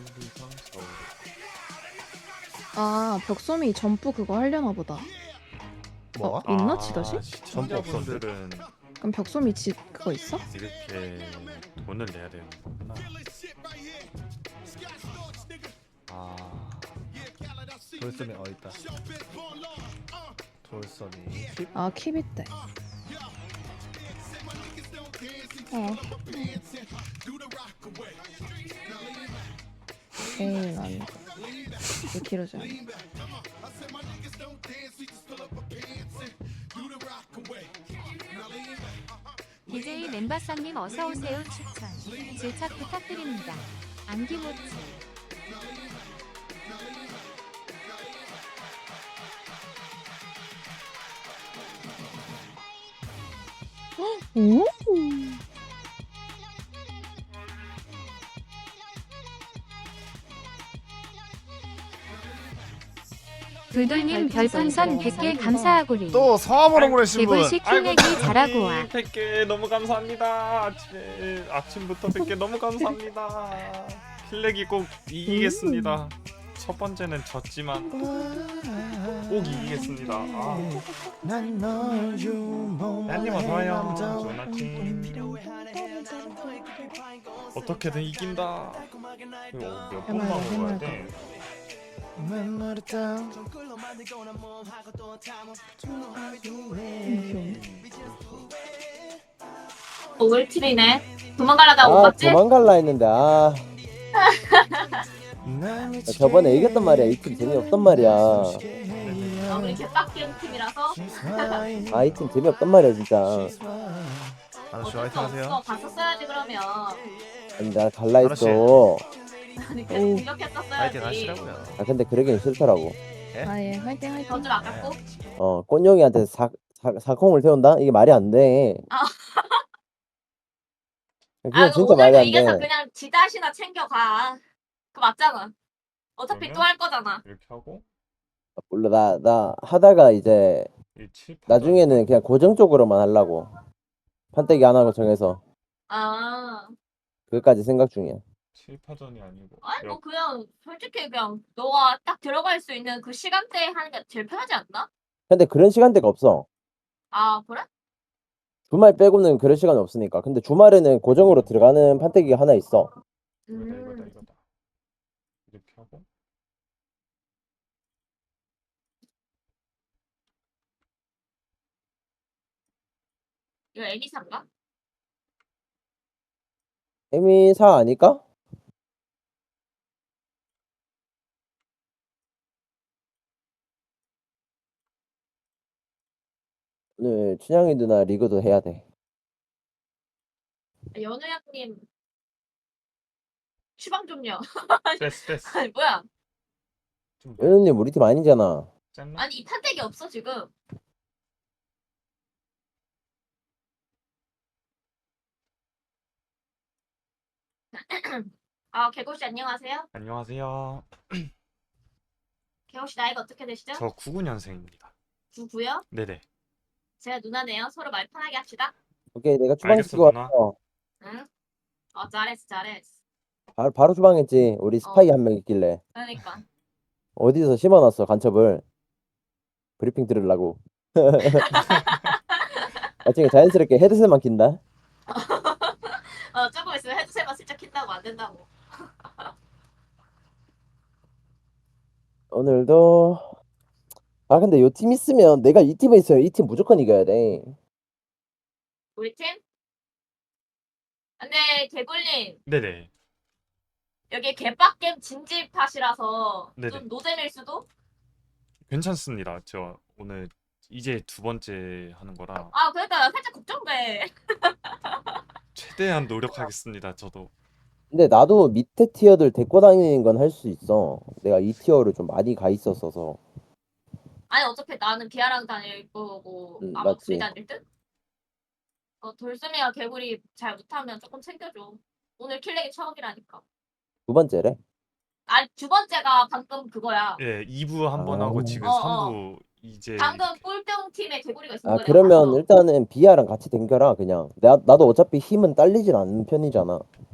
1, 2, 3, 4, 5. 아, 벽소미 점프 그거 하려나 보다. 뭐가? 있나 지다시? 시청자분들은 그럼 벽소미 지 그거 있어? 이렇게 돈을 내야 되는 거구나. 아, 돌섬이 있다. 돌섬이 킵. 아, 킵 있대. 에이, 난 이게 길어져. DJ 멤바상님 어서오세요 추천 질착 부탁드립니다. 안기모치 오? 불돌님 별풍선 100개 감사하구리. 또 성함으로 보내신 분. 개굴식 킬내기 잘하고 와. 100개 너무 감사합니다. 아침부터 100개 너무 감사합니다. 킬렉이 꼭 이기겠습니다. 첫 번째는 졌지만 꼭 이기겠습니다. 얀님 어서와요. 좋은 아침. 어떻게든 이긴다. 이거 몇 번만 먹어야 돼? 올킬이네. 도망가려다 못 봤지? 도망갈라 했는데 저번에 이겼단 말이야. 이 팀 재미없단 말이야. 우리 개빡기운 팀이라서. 이 팀 재미없단 말이야 진짜. 아저씨 어쩔 수 화이팅 하세요. 없어. 봤었어야지 그러면. 아니 나 갈라 했어. 아니 계속 화이팅 공격했었어야지. 하시라고요. 근데 그러긴 싫더라고. 아, 예, 화이팅, 화이팅. 던줄 아깝고. 꼰용이한테 사콩을 태운다? 이게 말이 안 돼. 아. 그건 이거 진짜 말이 오늘도 안 이겨서 돼. 그냥 지다시나 챙겨가. 그 맞잖아. 어차피 그러면? 또 할 거잖아. 이렇게 하고 몰라 나 하다가 이제 1, 7, 8. 나중에는 그냥 고정적으로만 하려고. 판때기 안 하고 정해서. 아. 그것까지 생각 중이야. 7파전이 아니고. 아니 뭐 그냥 솔직히 그냥 너가 딱 들어갈 수 있는 그 시간대에 하는 게 제일 편하지 않나? 근데 그런 시간대가 없어. 아 그래? 주말 빼고는 그럴 시간이 없으니까. 근데 주말에는 고정으로 들어가는 판때기가 하나 있어. 이거다. 이렇게 하고 이거 애니상가? 에미사 아닐까? 오늘 춘향이 누나 리그도 해야 돼. 연우양님 추방 좀요. 됐어. 아니 뭐야? 좀 연우님 우리 팀 아니잖아. 짰나? 아니 이 판때기 없어 지금. 아 개고씨 안녕하세요. 안녕하세요. 개고씨 나이가 어떻게 되시죠? 저 99년생입니다. 99요? 네네. 제가 누나네요. 서로 말 편하게 합시다. 오케이 내가 주방 알겠어, 시키고 누나. 왔어. 응? 잘했어. 바로 주방했지. 우리 스파이 한 명 있길래. 그러니까. 어디서 심어놨어 간첩을. 브리핑 들으려고. 나중에 자연스럽게 헤드셋만 낀다. 조금 있으면 헤드셋만 슬쩍 킨다고 안 된다고. 오늘도 근데 요 팀 있으면 내가 이 팀에 있으면 이 팀 무조건 이겨야 돼. 우리 팀? 근데 개굴님 네네. 여기 개빡겜 진지팟이라서 네네. 좀 노잼일 수도? 괜찮습니다. 저 오늘 이제 두 번째 하는 거라 아 그러니까 살짝 걱정돼. 최대한 노력하겠습니다. 저도. 근데 나도 밑에 티어들 데리고 다니는 건 할 수 있어. 내가 이 티어를 좀 많이 가 있었어서. 아니 어차피 나는 비아랑 다닐 거고 아마 맞지. 둘이 다닐 듯? 돌수미가 개구리 잘 못하면 조금 챙겨줘. 오늘 킬렉이 처음이라니까. 두 번째래. 아니 두 번째가 방금 그거야. 예, 2부 한 번 하고 지금 어, 3부 이제 방금 꼴등 팀에 개구리가 있는 거야. 그러면 일단은 비아랑 같이 댕겨라 그냥. 나도 어차피 힘은 딸리진 않는 편이잖아.